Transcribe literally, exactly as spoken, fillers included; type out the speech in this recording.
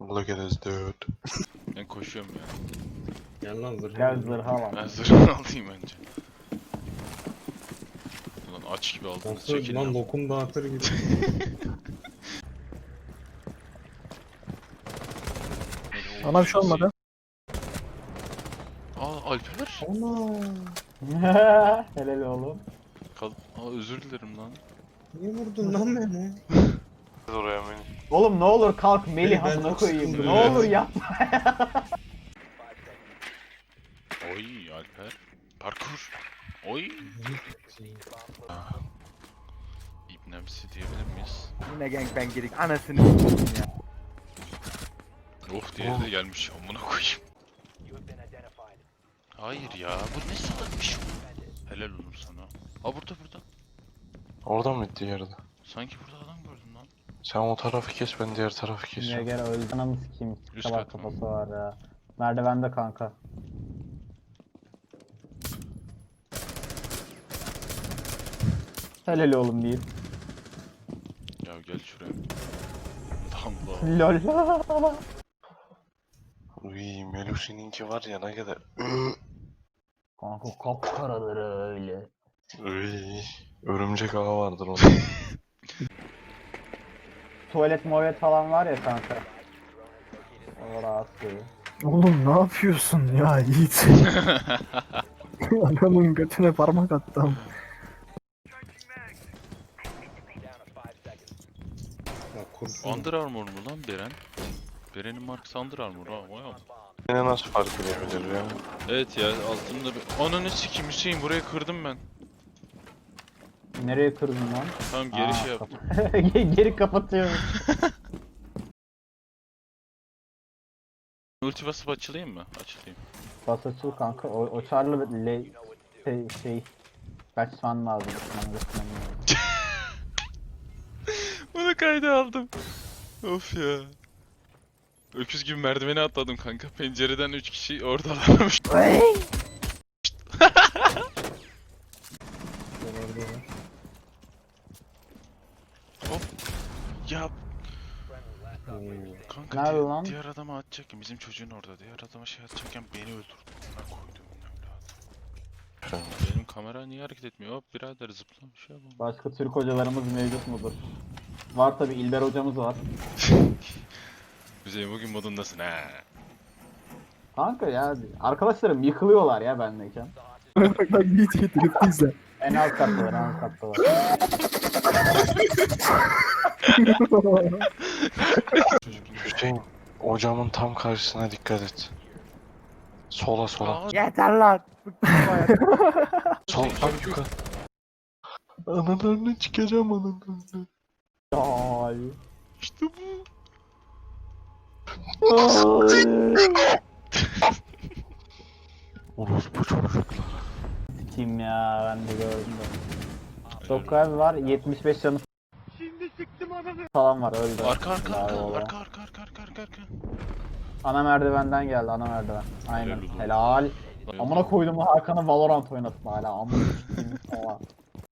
Look at this dude. Ben koşuyorum ya. Gel lan zırhı. Gel zırha lan. Ben zırhını alayım önce. Ulan aç gibi aldınız, Nasıl çekilin. lan lokum dağıtır gibi. Bana bir şey olmadı. Aa Alper. Ana. Helal oğlum. Kal Aa özür dilerim lan. Niye vurdun lan beni? Oraya beni. Oğlum ne olur kalk Melih Ben amına çok koyayım. sıkıldım Ne ya. olur yapma. Oy Alper. Parkur. Oy. İbnemsi diyebilir miyiz? Yine gangbang girdik. Anasını s**eyim ya. Oh diğeri de gelmiş. Amına koyayım. Hayır ya. Bu ne salakmış. Helal olur sana. Aa burada burada. Oradan mı gitti yerde? Sanki burada adam gördüm lan. Sen o tarafı kes, ben diğer tarafı Niye kesiyorum. gel öldü. Ananı sikeyim. Üst Kabak kat mı? kafası var ya. Merdivende kanka. Helal oğlum diyeyim. Ya gel şuraya. Allah. Lol. Uy, Melusi'ninki var ya ne kadar. Kanka kapkaradır öyle. Uy, örümcek ağı vardır onda. Tuvalet muhabbet falan var ya kanka. O rahatsız. Oğlum ne yapıyorsun ya Yiğit? Adamın götüne parmak attım. Ya kurşun. Under Armour mu lan Beren? Beren'in markası Under Armour ha. Vay am- Yine nasıl fark edebilir ya? Evet ya altında bir... Ananı sikeyim Hüseyin, burayı kırdım ben. Nereye kırdın lan? Tamam geri Aa, şey yaptım. kap- Geri kapatıyorum. Ulti basıp açılayım mı? Açılayım. Bas açıl kanka. O, o çarlı le şey, şey kaçman lazım. Kaçman lazım. Bunu kayda aldım. Of ya. Öküz gibi merdiveni atladım kanka. Pencereden üç kişi oradalarmış. Hop. Ya kanka Nerede di- lan? diğer adama atacakken bizim çocuğun orada. Diğer adama şey atacakken beni öldürdü. Ben koydum evladım. Benim kamera niye hareket etmiyor? Hop birader zıpla bir şey yapalım. Başka Türk hocalarımız mevcut mudur? Var tabi İlber hocamız var. Hüseyin bugün modundasın ha. Kanka ya arkadaşlarım yıkılıyorlar ya bendeyken. Bak lan Yiğit Yiğit herif izle. En alt kattalar, en alt kattalar. Hüseyin, ocağımın tam karşısına dikkat et. Sola sola. Aa, Yeter lan. Bıktım bu hayattan. Sol tam yukarı. Analarını çıkacağım analarını. Ay. işte bu. Orospu çocuklar. Kim ya ben de gördüm de. Dokaz var yetmiş beş canı falan var öldü. Arka arka Bravo arka oğlum. arka arka arka arka arka arka. Ana merdivenden geldi ana merdiven. Aynen Helal olsun. helal. Amına koydum Hakan'ı Valorant oynatma hala amına koyayım falan.